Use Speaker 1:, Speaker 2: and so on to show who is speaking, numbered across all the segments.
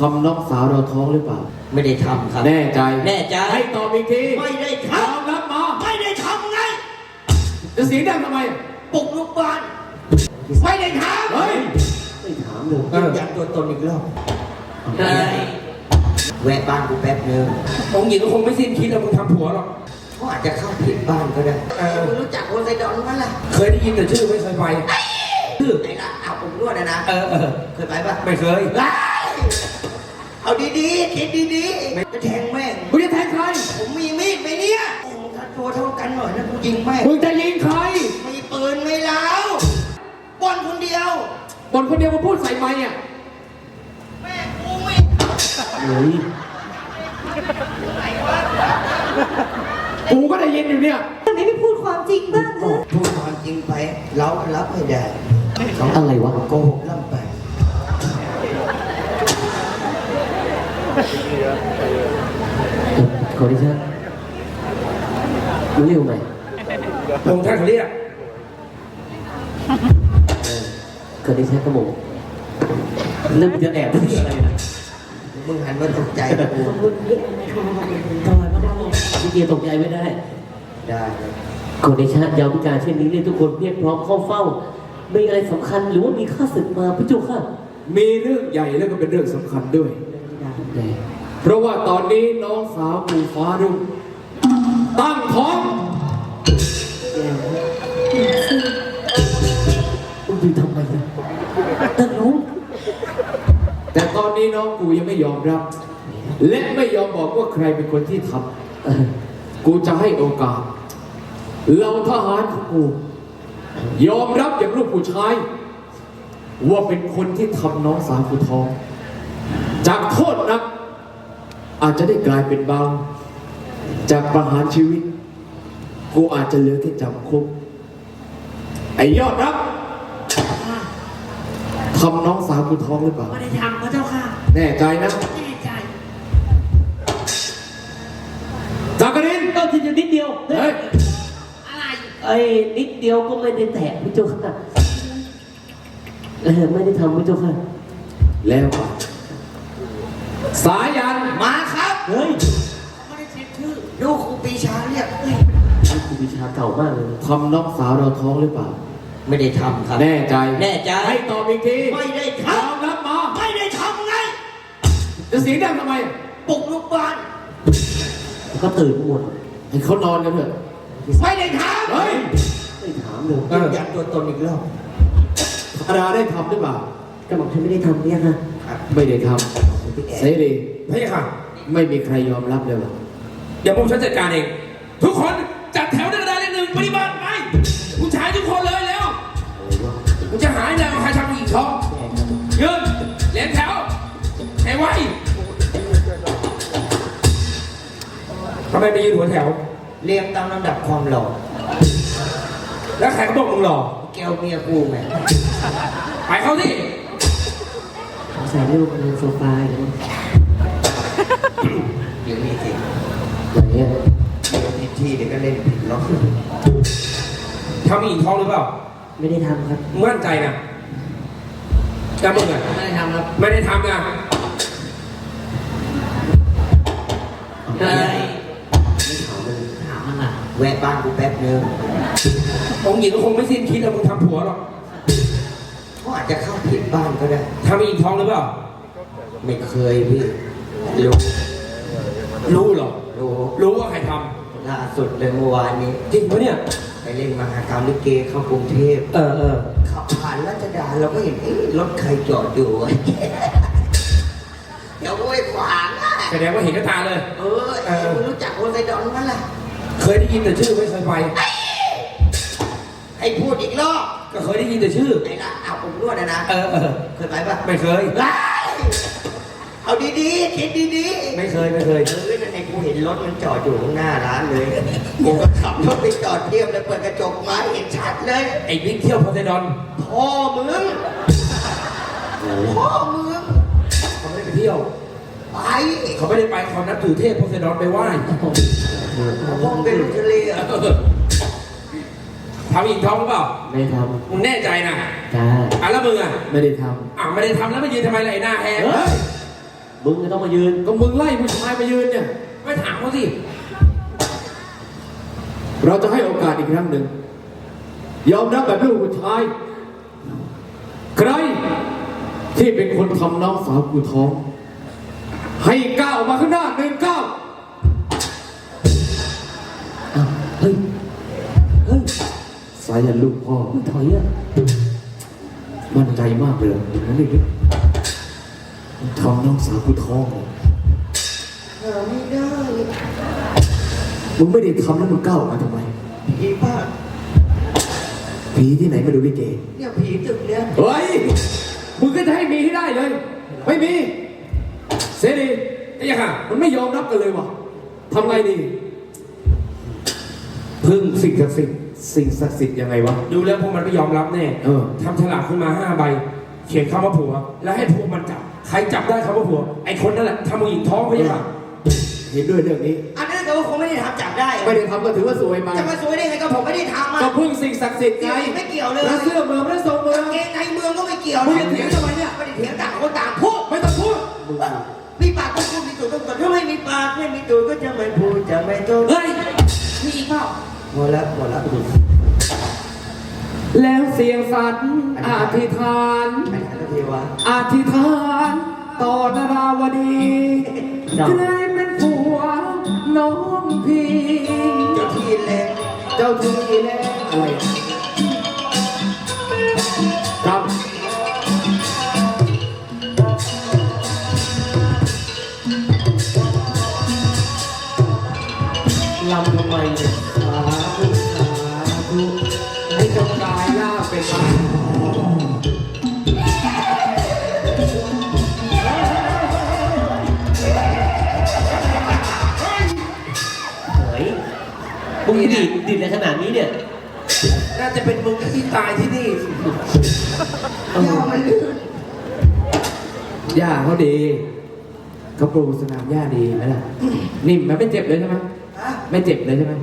Speaker 1: ำน้องสาวเราท้องหรือเปล่า
Speaker 2: ไม่ได้ทำครับ
Speaker 1: แน่ใจ
Speaker 2: แน่ใจ
Speaker 1: ให้ตอบอีกที
Speaker 2: ไม่ได้ท
Speaker 1: ำยอมรับมา
Speaker 2: ไม่ได้ทำไง
Speaker 1: จะเสียงดังทำไม
Speaker 2: ปลุกลูกบ้านไม่ได้ทำ
Speaker 1: เฮ้ยไม่ถามเลย
Speaker 2: ยืนยันตัวตนอีกรอบแวะบ้านกูแป๊บนึงองค์หญิงก็คงไม่สิ้นคิดแล้วมึงทำผัวหรอกเขาอาจจะเข้าผิดบ้านก็ได้มึงรู้จักโอไซดอนมั้ยล่ะ
Speaker 3: เคยได้ยินแต่ชื่อไม่เคยไป
Speaker 2: ชื่อไหนล่ะเอาผมนวดนะเคยไปปะ
Speaker 3: ไม่เคย
Speaker 2: เอาดีๆคิดดีๆไม่แทงแม่ง
Speaker 1: มึงจะแทงใคร
Speaker 2: ผมมีมีดไปเนี่ยถ้าตัวเท่ากันหน่อยนะกูยิงแม่ง
Speaker 1: มึงจะยิงใคร
Speaker 2: มีปืนไม่แล้วบอลคนเดียว
Speaker 1: มาพูดใส่ไมค์อ่ะ
Speaker 2: แม่กูไม่
Speaker 1: เฮ้ยกูก็ได้ยินอยู่เนี่ย
Speaker 4: ทำไมไม่พูดความจริงบ้างเถอะ
Speaker 2: พูดความจริงไปเรารับไม่ได้
Speaker 1: อะไรวะ
Speaker 2: โกหกล่ำไป
Speaker 1: ขอดิฉันรู้เร็วไหม
Speaker 3: พงท่านเขาเรียก
Speaker 1: ขอดิฉันกระหม่อมเริ่มจะแอบที่อะไรนะ
Speaker 2: มึงหันมาตกใจกู
Speaker 1: ทำไมไม่ได้พี่เกียร์ตกใจไม่ได้ขอดิฉันยาวพิการเช่นนี้เนี่ยทุกคนเรียกพร้อมเข้าเฝ้ามีอะไรสำคัญหรือว่ามีข้าศึกมาพระเจ้าค่ะมีเรื่องใหญ่แล้วก็เป็นเรื่องสำคัญด้วยเพราะว่าตอนนี้น้องสาวปูฟ้ารุ่งตั้งท้องดูทำไมเนี่ยตั้งรู้แต่ตอนนี้น้องกูยังไม่ยอมรับและไม่ยอมบอกว่าใครเป็นคนที่ทำกูจะให้โอกาสเราทหารของกูยอมรับอย่างลูกผู้ชายว่าเป็นคนที่ทำน้องสาวกูท้องจากโทษนักอาจจะได้กลายเป็นเบาจากประหารชีวิตกูอาจจะเหลือแค่จำคุกไอ้ยอดรับทำน้องสาวกูท้องหรือเปล่า
Speaker 2: ไม่ได้ทำพระเจ้าค่ะ
Speaker 1: แน่ใจนะ
Speaker 2: แน่ใจ
Speaker 1: จักริน
Speaker 4: ก็ทีนิดเดียว
Speaker 1: เฮ้ย
Speaker 2: อะไร
Speaker 4: ไอ้นิดเดียวก็ไม่ได้แตะพระเจ้าค่ะไม่ได้ทำพระเจ้าค่ะ
Speaker 1: แล้วสายัน
Speaker 2: มาครับ
Speaker 4: เฮ้ย
Speaker 2: ไม่ได้เช็คชื่อดูครูปีชาเรียก
Speaker 1: ครูปีชาเก่ามากเลยทำน้องสาวเราท้องหรือเปล่า
Speaker 2: ไม่ได้ทำครับ
Speaker 1: แน่ใจ
Speaker 2: ให้
Speaker 1: ตอบอีกที
Speaker 2: ไม่ได้ท
Speaker 1: ำยอมรับมา
Speaker 2: ไม่ได้ทำไง
Speaker 1: จะเสียงดังทำไม
Speaker 2: ปลุกลูกบ้าน
Speaker 1: ก็ตื่นหมดให้เขานอนกันเถอะ
Speaker 2: ไม่ได้ทำ
Speaker 1: เฮ้ยไม่ถามเลย
Speaker 2: ยืนยันตัวตนอีกรอบ
Speaker 1: ธาราได้ทำหรือเปล่า
Speaker 4: ก็บอกฉันไม่ได้ทำเนี่ยค่ะ
Speaker 1: ไม่ได้ทำเสรี
Speaker 3: ไม่ค่ะ
Speaker 1: ไม่มีใครยอมรับเลยหรอ
Speaker 3: เดี๋ยวผมฉันจัดการเองทุกคนจัดแถวหน้ากระดานเลขหนึ่งปฏิบัติไปผู้ชายทุกคนเลยแล้วกูจะหายแล้วใครทำผู้หญิงท้องยืนเลี้ยงแถวให้ไวทำไมไปยืนหัวแถว
Speaker 2: เรียงตามลำดับความหล่อ
Speaker 3: แล้วใครเขาบอกมึงหล่อ
Speaker 2: แก้วเมียกูไง
Speaker 3: ไปเข้าที่
Speaker 4: ใส่ลูกบนโซฟา
Speaker 2: อย่างนี้สิ
Speaker 1: อย่างเงี้ย
Speaker 2: ผิดที่เดี๋ยวก็เล่นผิดล็อก
Speaker 3: ทำอีกท้องหรือเปล่า
Speaker 4: ไม่ได้ทำครับ
Speaker 3: มั่นใจนะแต่มึงอ่ะ
Speaker 2: ไม่ได้ทำครับ
Speaker 3: ไม่ได้ทำนะ
Speaker 2: ถามมันอ่ะแวะบ้านกูแป๊บนึง
Speaker 3: องค์หญิงก็คงไม่สิ้นคิดแล้วมึงทำผัวหรอก
Speaker 2: เขาอาจจะเข้าผิดบ้านก็ได้
Speaker 3: ทำอีกท้องหรือเปล่า
Speaker 2: ไม่เคยพี่
Speaker 3: รู้เหรอรู้ว่าใครท
Speaker 2: ำล่าสุดเลยเมื่อวานนี้
Speaker 3: จริงปะเนี่ย
Speaker 2: ไปเล่นมหากรรมลิเกเข้ากรุงเทพขับผ่านรัชดาเราก็เห็นรถใครจอดอยู่เดี๋ยวไปขวาง
Speaker 3: แสดงว่าเห็นกับตาเลย
Speaker 2: คุณรู้จักโอไซดอนมั้ยล่ะ
Speaker 3: เคยได้ยินแต่ชื่อไม่เคยไป
Speaker 2: ให้พูดอีกรอบ
Speaker 3: ก็เคยได้ยินแต่ชื่อ
Speaker 2: ไหนล่ะเอาผมนวดนะเคยไปปะ
Speaker 3: ไม่เคย
Speaker 2: เอาดีๆคิดดี
Speaker 3: ๆไม่เคย
Speaker 2: นั่นไอ้กูเห็นรถมันจอดอยู่ข้างหน้าร้านเลยกูก็ขับรถไปจอดเทียบเลยเปิดกระจกมาเห็นชัดเลย
Speaker 3: ไอ้บิ๊กเที่ยวโพไซดอน
Speaker 2: พ่อมึง
Speaker 3: เขาไม่ได้ไปเที่ยว
Speaker 2: ไป
Speaker 3: เขาไม่ได้ไปเขานับถือเทพโพไซดอนไปไหว้
Speaker 2: พ่อเป็นลูกทะเล
Speaker 3: ทำอีกท้องหรือเปล่า
Speaker 1: ไม่ท
Speaker 3: ำมึงแน่ใจนะ
Speaker 1: จ้า
Speaker 3: แล้วมึงอ่ะ
Speaker 1: ไม่ได้ทำ
Speaker 3: ไม่ได้ทำแล้วมายืนทำไมล่ะไอ้หน้าแหก
Speaker 4: มึงจะต้องมายืน
Speaker 1: ก็มึงไล่ผู้ชายมายืนเนี่ย
Speaker 3: ไม่ถามเขาสิ
Speaker 1: เราจะให้โอกาสอีกครั้งหนึ่ง ยอมรับแบบลูกผู้ชาย ใครที่เป็นคนทำน้องสาวกูท้อง ให้ก้าวมาข้างหน้า1 ก้าว
Speaker 4: อ้าวเฮ้ย เฮ้ย
Speaker 1: สายันลูกพ่อ
Speaker 4: มึงถอยอ่ะ
Speaker 1: มั่นใจมากเลยอย่างนั้นเลยทำน้องสาวกูท้องเลย
Speaker 2: ไม่ได้
Speaker 1: มึงไม่ได้ทำแล้วมึงก้าวออกมาทำไม
Speaker 2: ผีบ้า
Speaker 1: ผีที่ไหนมาดูลิเก
Speaker 2: เนี่ยผีตึกเนี่ย
Speaker 1: เฮ้ย มึงก็จะให้มีให้ได้เลย ไม่มี เสรี
Speaker 3: ไอ้ยังค่ะ
Speaker 1: มันไม่ยอมรับกันเลยวะทำไงดี พึ่งสิ่งศักดิ์สิทธิ์สิ่งศักดิ์สิทธิ์ยังไงวะ
Speaker 3: ดูแล้วพวกมันไม่ยอมรับแน่
Speaker 1: เออ
Speaker 3: ทำฉลากขึ้นมา5 ใบ เขียนคำว่าผัว แล้วให้พวกมันจับ ใครจับได้คำว่าผัว ไอ้คนนั่นแหละทำผู้หญิงท้องไปยังไง
Speaker 1: เห็นด้วยเรื่องนี้
Speaker 2: อันนั้นแต่ว่าคงไม่ได้ทำจับได้
Speaker 1: ไม่ได้ทำก็ถือว่าสวยไป
Speaker 2: จะมาสวยได้ไงก็ผมไม่ได้ทำ
Speaker 1: ก็
Speaker 2: อ่ะ
Speaker 1: พึ่งสิ่งศักดิ์สิทธิ์ไง
Speaker 2: ไม่เกี่ยวเลย
Speaker 1: แล้วเสื้อเมืองแล้วทรงเมือง
Speaker 2: เกงในเมืองก็ไม่เกี่ยว
Speaker 1: มึงจะเถียงทำไมเนี่ย
Speaker 2: ไม่ได้เถียงต่างคนต่างพูด
Speaker 1: ไม่ต้องพูด
Speaker 2: มีปากต้องพูดมีตูดต้องตดถ้าไม่มีปากไม่มีตูดก็จะไม่พูดจะไม่ตด
Speaker 3: เฮ้ย มีอีกเปล่า
Speaker 2: หมดแล้วหมดแล้ว
Speaker 1: แล้วเสียงสัตว์อธิษฐาน
Speaker 2: ไอ้นันเทวะ
Speaker 1: อธิษฐานต่อนาราวดีใครเป็นผัวน้องพี่
Speaker 2: เจ้าที่แรง
Speaker 1: เจ้าที่แล้วอะไรครับ
Speaker 4: ลำทำไมเนี่ยสาธุสาธุ
Speaker 1: ให้เจ้ากายล่าเป็นมา
Speaker 4: เฮ้ยมึงดีดในขนาดนี้เนี่ย
Speaker 3: น่าจะเป็นมึงที่ตายที่นี่
Speaker 2: ยาวมันลื่น
Speaker 1: ย่าเขาดีเขาปลูกสนามหญ้าดีไหมล่ะนิ่มไหมไม่เจ็บเลยใช่ไหม
Speaker 2: ฮะ
Speaker 1: ไม่เจ็บเลยใช่ไหม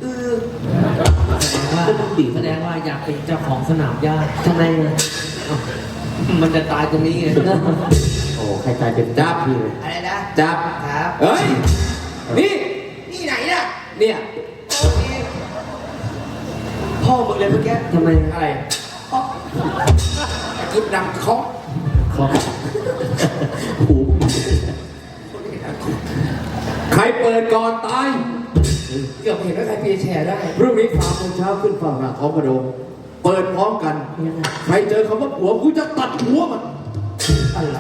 Speaker 4: ว่าดีแสดงว่าอยากเป็นเจ้าของสนามหญ้าทำไมเนี่ย
Speaker 3: มันจะตายตรงนี้ไง
Speaker 1: โอ้ใครตายเป็นจับพี่เลย
Speaker 2: อะไรนะ
Speaker 1: จับ
Speaker 2: ครับ
Speaker 1: เฮ้ยนี่
Speaker 2: นี่ไหนน่ะ
Speaker 1: เนี่ย
Speaker 2: โอเคพ่อมึงเลยเมื่อกี้
Speaker 4: ทำไม
Speaker 1: อะไร
Speaker 2: พ่อ
Speaker 1: ยุบดังเคาะ
Speaker 4: ขอหู
Speaker 1: ใครเปิดก่อนตาย
Speaker 3: เกือบเห็นว่าใครเปียแชร์ได้
Speaker 1: พรุ่งนี้3 โมงเช้าขึ้นฝั่งหน้าท้องพระโรงเปิดพร้อมกัน
Speaker 4: ยังไง
Speaker 1: ใครเจอคำว่าผัวกูจะตัดหัวมัน อะไร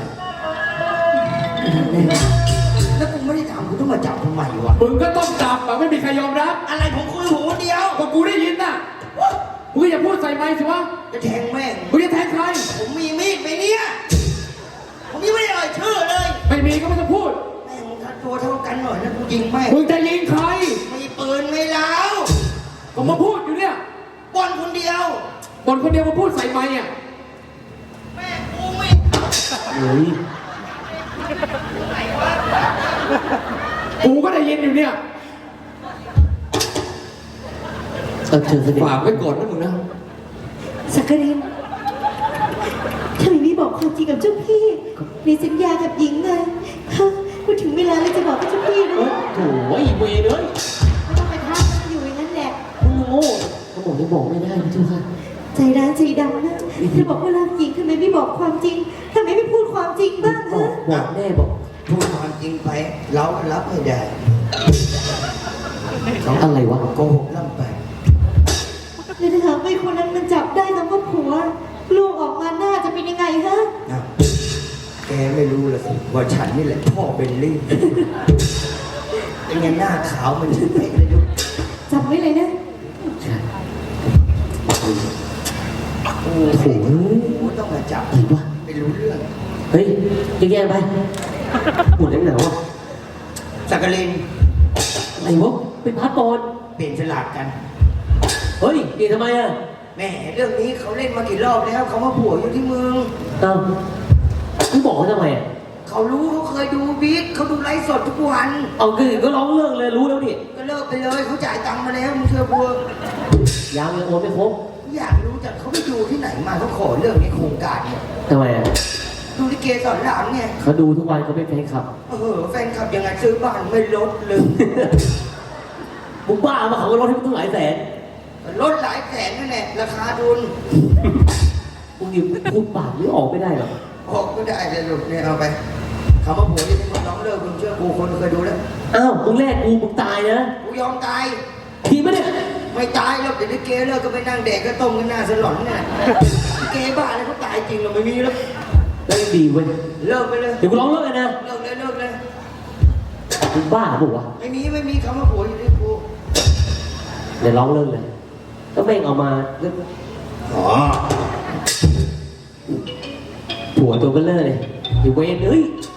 Speaker 2: แล้วกูไม่ได้ทำกูต้องมาจับทำไมวะ
Speaker 1: มึงก็ต้องจับแบบไม่มีใครยอมรับ
Speaker 2: อะไรผมคุยหูคนเดียว
Speaker 1: ก็กูได้ยินน่ะมึงก็อย่าพูดใส่ไมค์สิวะ
Speaker 2: จะแทงแม่ง
Speaker 1: มึงจะแทงใคร
Speaker 2: ผมมีมีดไหมเนี่ยผมยังไม่ได้เอ่ยชื่อเลย
Speaker 1: ไม่มีก็ไม่ต้องพูด
Speaker 2: แม่งมึงทัดตัวเท่ากันหน่อยนะกูยิงแม่ง
Speaker 1: มึงจะยิงใคร
Speaker 2: มีปืนไม่แล้ว
Speaker 1: ก็มาพูดอยู่เนี่ย
Speaker 2: บอลคนเดียว
Speaker 1: บนคนเดียวมาพูดใส่ไมค์อ่ะ
Speaker 2: แม่กูไม่
Speaker 4: เฮ้ย
Speaker 1: กูก็ได้ยินอยู่เนี่ย
Speaker 4: เชิญเสด็จ
Speaker 1: ฝากไว้ก่อนนะมึงนะ
Speaker 5: สักกรินทำไมไม่บอกความจริงกับเจ้าพี่ในสัญญากับหญิงไงฮะพูดถึงเวลาแล้วจะบอกกับเจ้าพี่นะ
Speaker 4: โถ่อีเวเลย
Speaker 5: ไม่ต้องไปท้ามันอยู่อย่างนั้นแหละ
Speaker 4: มึงโง่เขาบอกยังบอกไม่ได้นะเจ้าค่ะ
Speaker 5: ใจร้ายใจดำนะเธอบอกว่ารักหญิงทำไมไม่บอกความจริงทำไมไม่พูดความจริงบ้าง
Speaker 4: บอ
Speaker 5: ฮะ
Speaker 4: กบอกแน่บอก
Speaker 2: พูดความจริงไป เรารับไม่ได้
Speaker 4: อะไรวะ
Speaker 2: โกหกล่ำไป
Speaker 5: แล้วถ้าหากไม่คนนั้นมันจับได้คำว่าผัว ลูกออกมาหน้าจะเป็นยังไงฮะ
Speaker 2: นะแกไม่รู้ละสิว่าฉันนี่แหละพ่อเป็นลี่เป็นไงหน้าขาวมันเป๊ะเลยลูก
Speaker 5: จำไว้เลยนะ
Speaker 4: ใช่
Speaker 2: โอ้โหต้องมาจับ
Speaker 4: อะไรวะ
Speaker 2: ไม่รู้เรื่อง
Speaker 4: เฮ้ยแย่ๆไปหมุนแล้วหนาวอ่ะ
Speaker 2: สักกลิน
Speaker 4: อะไรวะเป็นพาสปอร์ต
Speaker 2: เปลี่ยนฉลากกัน
Speaker 4: เฮ้ยเปลี่ยนทำไมอ่ะ
Speaker 2: แหม่เรื่องนี้เขาเล่นมากี่รอบแล้วเขามาผัวอยู่ที่เมือง
Speaker 4: เอ้ามึงบอกเขาทำไมอ่ะ
Speaker 2: เขารู้เขาเคยดูบิ๊กเขาดูไลฟ์สดทุกวัน
Speaker 4: เอาก็ร้องเลิกเลยรู้แล้วนี่
Speaker 2: ก็เลิกไปเลยเขาจ่ายตังค์มาแล้วมึงเชื่อบัว
Speaker 4: ยังโอนไม่ครบ
Speaker 2: อยากรู้จักเขาไปดูที่ไหนมาเขาขอเรื่องนี้โครงการเนี่ย
Speaker 4: ทำไมอ่ะ
Speaker 2: เดูลิเกสอนหลานไง
Speaker 4: เขาดูทุกวันเขาเป็นแฟนคลับ
Speaker 2: แฟนคลับยังไงซื้อบ้านไม่ลดเลย
Speaker 4: มึงบ้ามาเขาก็ลดให้มึงตั้งหลายแสน
Speaker 2: ลดหลายแสนนั่นแหละราคาทุน
Speaker 4: มึงอยู่พูดปากนี่ออกไม่ได้หรอก
Speaker 2: ออกก็ได้เลยลูกเนี่ยเอาไปคำว่าผัวที่มึงร้องเลิกมึงเชื่อกูคนเคยดูแล้ว
Speaker 4: อ้าวมึงแรกกูมึงตายนะ
Speaker 2: กูยอมตาย
Speaker 4: ทีไม่ได้
Speaker 2: ไม่ตายแล้วเดี๋ยวลิเกเลิกก็ไปนั่งแดกก็ต้มกันหน้าสลอนเนี่ยลิเกบ้าอะไรเขาตายจริงเราไม่มีแล้ว
Speaker 4: แล้วยังดีเว้ย
Speaker 2: เลิกไปเลย
Speaker 4: เดี๋ยวกูร้องเลิกเลยนะ
Speaker 2: เลิกเลย
Speaker 4: มึงบ้าปะวะ
Speaker 2: ไม่มีคำว่าผัวอยู่ที่กู
Speaker 4: เดี๋ยวร้องเลิกเลยก็แม่งเอามาผัวตัวเบลเลอร์เลยอยู่เวรเอ้ย